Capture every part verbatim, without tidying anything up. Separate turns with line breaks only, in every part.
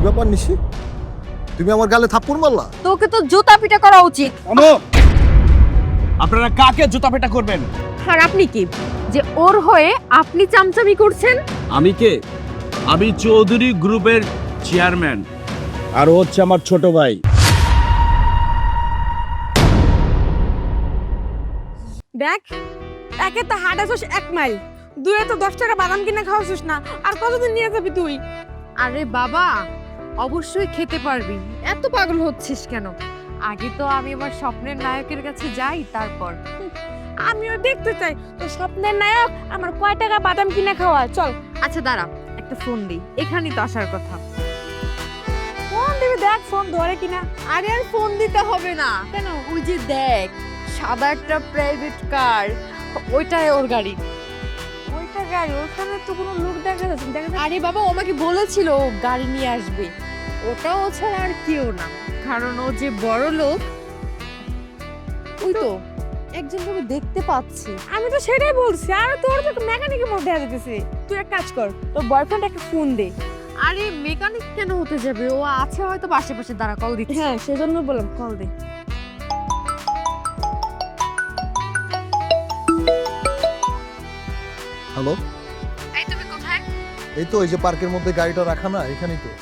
ব্যাপার নিশি, তুমি আমার গালে থাপ্পড় মারলা?
তোকে তো জুতা পিটা করা উচিত।
আপনারা কাকে জুতা পেটা করবেন?
আর আপনি কি যে ওর হয়ে আপনি চামচামি করছেন?
আমি কে? আমি চৌধুরী গ্রুপের চেয়ারম্যান, আর ও হচ্ছে আমার ছোট ভাই।
দেখ, একে তো হাঁটাছিস এক মাইল, দুয়ে তো দশ টাকা বাদাম কিনে খাওয়াছিস না, আর কতদিন নিয়ে যাবি তুই?
আরে বাবা, অবশ্যই খেতে পারবি, এত পাগল হচ্ছিস কেন? আগে তো আমি আমার স্বপ্নের নায়কের কাছে যাই, তারপর
আমিও দেখতে চাই তো স্বপ্নের নায়ক আমার কয় টাকা বাদাম কিনে খাওয়া। চল।
আচ্ছা দাঁড়া, একটা ফোন দিই, এখানেই তো আসার কথা।
ফোন দিবি, দেখ ফোন ধরে কিনা।
আরে আর ফোন দিতে হবে না,
কেন?
ওই যে দেখ সাদা একটা প্রাইভেট কার, ওইটাই ওর গাড়ি।
ওইটা গাড়ি, ওখানে তো কোনো লোক দেখা যাচ্ছে দেখা যাচ্ছে।
আরে বাবা, ও আমাকে বলেছিল ও গাড়ি নিয়ে আসবে, ওটা ও ছাড়া আর কেউ না, কারণ ও যে বড় লোক। ওই তো একজনকে আমি দেখতে পাচ্ছি।
আমি তো সেটাই বলছি, আর তোর তো মেকানিকের মধ্যে দেখা যেতেছে। তুই এক কাজ কর, তোর বয়ফ্রেন্ড একটা ফোন দে।
আরে মেকানিক কেন হতে যাবে, ও আছে হয়তো পাশে পাশে, দাঁড়া কল দিচ্ছি।
হ্যাঁ, সেজন্য বললাম কল দে।
হ্যালো,
এই তুমি কোথায়?
এই তো এই যে পার্কের মধ্যে গাড়িটা রাখা না, এখানেই তো।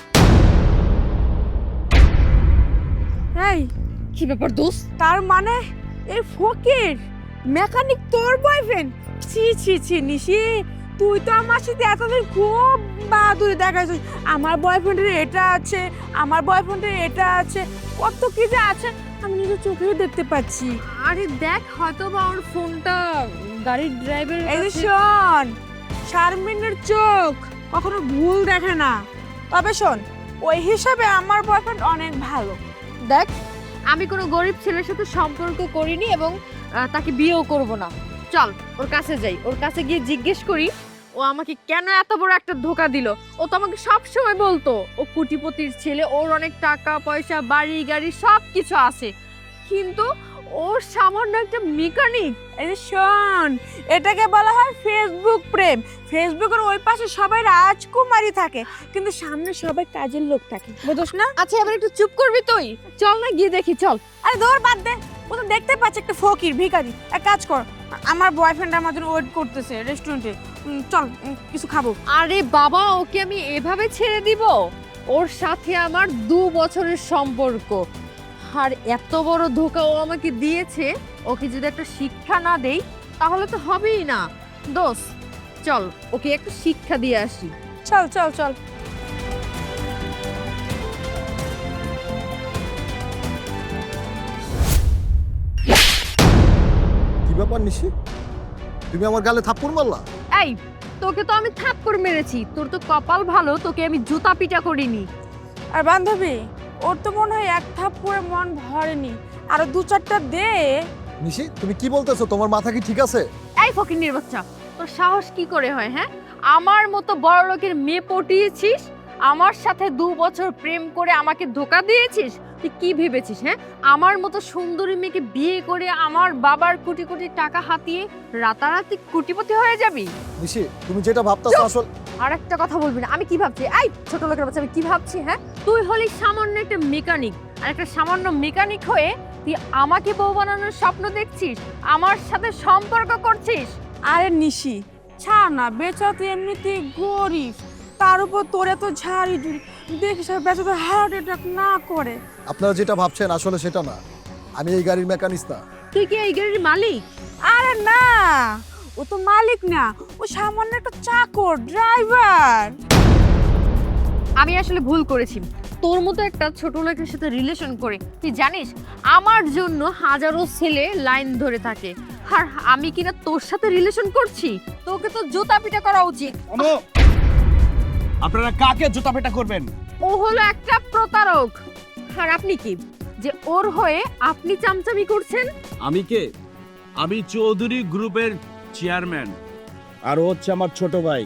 এই
কি ব্যাপার দোস্ত?
তার মানে এই ফকির মেকানিক তোর বয়ফ্রেন্ড? ছি ছি ছি নিশি, তুই তো আমার সাথে এতদিন খুব বাহাদুরি দেখাইছিস। আমার বয়ফ্রেন্ডের এটা আছে, আমার বয়ফ্রেন্ডের এটা আছে, কত কি যে আছে আমি নিজের চোখেও দেখতে পাচ্ছি।
আরে দেখ, হয়তো বা ওর ফোনটা গাড়ির ড্রাইভার।
এই যে শোন, শারমিনের চোখ কখনো ভুল দেখে না। তবে শোন, ওই হিসাবে আমার বয়ফ্রেন্ড অনেক ভালো।
দেখ, আমি কোনো গরিব ছেলের সাথে সম্পর্ক করিনি এবং আহ, তাকে বিয়েও করব না। চল ওর কাছে যাই, ওর কাছে গিয়ে জিজ্ঞেস করি ও আমাকে কেন এত বড় একটা ধোকা দিল। ও তো আমাকে সব সময় বলতো ও কোটিপতির ছেলে, ওর অনেক টাকা পয়সা, বাড়ি গাড়ি সব কিছু আছে, কিন্তু ওর সামান্য একটা মেকানিক।
এই যে শোন, এটাকে বলা হয় ফেসবুক প্রেম। ফেসবুকের ওই পাশে সবাই রাজকুমারী থাকে, কিন্তু সামনে সবাই কাজের লোক থাকে, বুঝছ না?
আচ্ছা এবার একটু চুপ করবি তুই? চল না গিয়ে দেখি, চল।
আরে ধর বাদ দে, ও তো দেখতে পাচ্ছে একটা ফকির ভিখারি। এক কাজ কর, আমার বয়ফ্রেন্ড আমার জন্য ওয়েট করতেছে রেস্টুরেন্টে, চল উম, কিছু খাবো।
আরে বাবা, ওকে আমি এভাবে ছেড়ে দিব? ওর সাথে আমার দু বছরের সম্পর্ক, আর এত বড় ধোকা ও আমাকে দিয়েছে। ওকে যদি একটা শিক্ষা না দেই তাহলে তো হবেই না। দোষ, চল ওকে একটা শিক্ষা দিয়ে আসি।
চল চল চল।
কি ব্যাপার নিশি, তুমি আমার গালে থাপ্পড় মারলা?
এই, তোকে তো আমি থাপ্পড় মেরেছি, তোর তো কপাল ভালো তোকে আমি জুতা পিটা করিনি।
আর বান্ধবী, ওর তো মনে হয় এক থাপ্পড়ে মন ভরেনি, আরো দু চারটা দে।
নিশি, তুমি কি বলতেছো? তোমার মাথা কি ঠিক আছে?
এই ফকিন্নির বাচ্চা, তোর সাহস কি করে হয়? হ্যাঁ, আমার মতো বড় লোকের মেয়ে পটিয়েছিস, আমার সাথে দু বছর প্রেম করে আমাকে ধোকা দিয়েছিস। তুই কি ভেবেছিস? হ্যাঁ, আমার মতো সুন্দরী মেয়েকে বিয়ে করে আমার বাবার কোটি কোটি টাকা হাতিয়ে রাতারাতি কোটিপতি হয়ে যাবি?
নিশি, তুমি যেটা ভাবতেছো আসলে।
আর একটা কথা বলবি না। আমি কি ভাবছি? এই ছোট লোকের বাচ্চা, আমি কি ভাবছি? হ্যাঁ, তুই হলি সামান্য একটা মেকানিক, আর একটা সামান্য মেকানিক হয়ে তুই আমাকে বউ বানানোর স্বপ্ন দেখছিস, আমার সাথে সম্পর্ক করছিস।
আরে নিশি, ছাড় না, বেচা তো এমনিতেই গরিব, তার উপর তোরে তো ঝাড়ি ঝুড়ি, দেখিস বেচা তো হার্ট অ্যাটাক না করে।
আপনারা যেটা ভাবছেন আসলে সেটা না, আমি এই গাড়ির মেকানিস্ট না।
তুই কি এই গাড়ির মালিক?
আরে না, ও তো মালিক না, ও সামান্য একটা চাকর, ড্রাইভার।
আমি আসলে ভুল করেছি তোর মতো একটা ছোট লোকের সাথে রিলেশন করে। তুই জানিস আমার জন্য হাজারো ছেলে লাইন ধরে থাকে, আর আমি কিনা তোর সাথে রিলেশন করছি? তোকে তো জুতা পিটা করা উচিত।
আপনারা কাকে জুতা পেটা করবেন?
ও হলো একটা প্রতারক, আর আপনি কি যে ওর হয়ে আপনি চামচামি করছেন?
আমি কে? আমি চৌধুরী গ্রুপের চেয়ারম্যান, আর ও হচ্ছে আমার ছোট ভাই।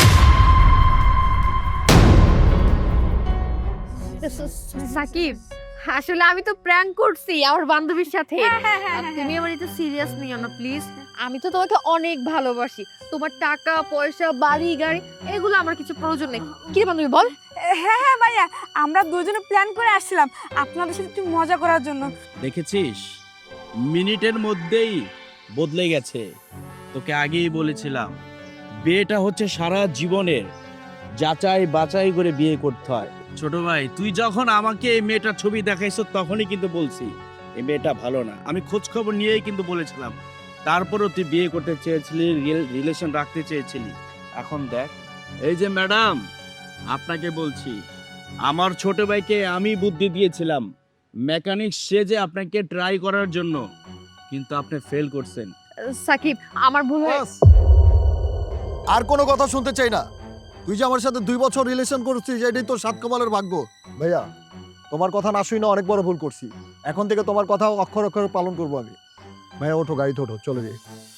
সাকিব, আসলে আমি তো প্র্যাঙ্ক করছি আমার বান্ধবীর সাথে। তুমি আমার এটা সিরিয়াস নিও না প্লিজ। আমি তো তোমাকে অনেক ভালোবাসি, তোমার টাকা পয়সা বাড়ি গাড়ি এগুলো আমার কিছু প্রয়োজন নেই। কি রে বান্ধবী বল।
হ্যাঁ হ্যাঁ ভাইয়া, আমরা দুজনে প্ল্যান করে আসছিলাম আপনাদের সাথে একটু মজা করার জন্য।
দেখেছিস মিনিটের মধ্যেই বদলে গেছে। তোকে আগেই বলেছিলাম বিয়েটা হচ্ছে সারা জীবনের, যাচাই বাছাই করে বিয়ে করতে হয়। ছোট ভাই তুই যখন আমাকে এই মেয়েটার ছবি দেখাইছ তখনই কিন্তু বলছি এই মেয়েটা ভালো না। আমি খোঁজ খবর নিয়েই কিন্তু বলেছিলাম, তারপরও তুই বিয়ে করতে চেয়েছিলি, রিলেশন রাখতে চেয়েছিলি। এখন দেখ, এই যে ম্যাডাম আপনাকে বলছি, আমার ছোট ভাইকে আমি বুদ্ধি দিয়েছিলাম মেকানিক সেজে আপনাকে ট্রাই করার জন্য, কিন্তু আপনি ফেল করছেন।
সাকিব আমার ভুল হয়ে
বাস। আর কোনো কথা শুনতে চাই না। তুই যে আমার সাথে দুই বছর রিলেশন করছিস এটাই তোর সাত কপালের ভাগ্য। ভাইয়া তোমার কথা না শুই না অনেক বড় ভুল করছি। এখন থেকে তোমার কথা অক্ষর অক্ষরে পালন করবো আমি। ভাইয়া ওঠো, গাড়িতে ওঠো, চলে যাই।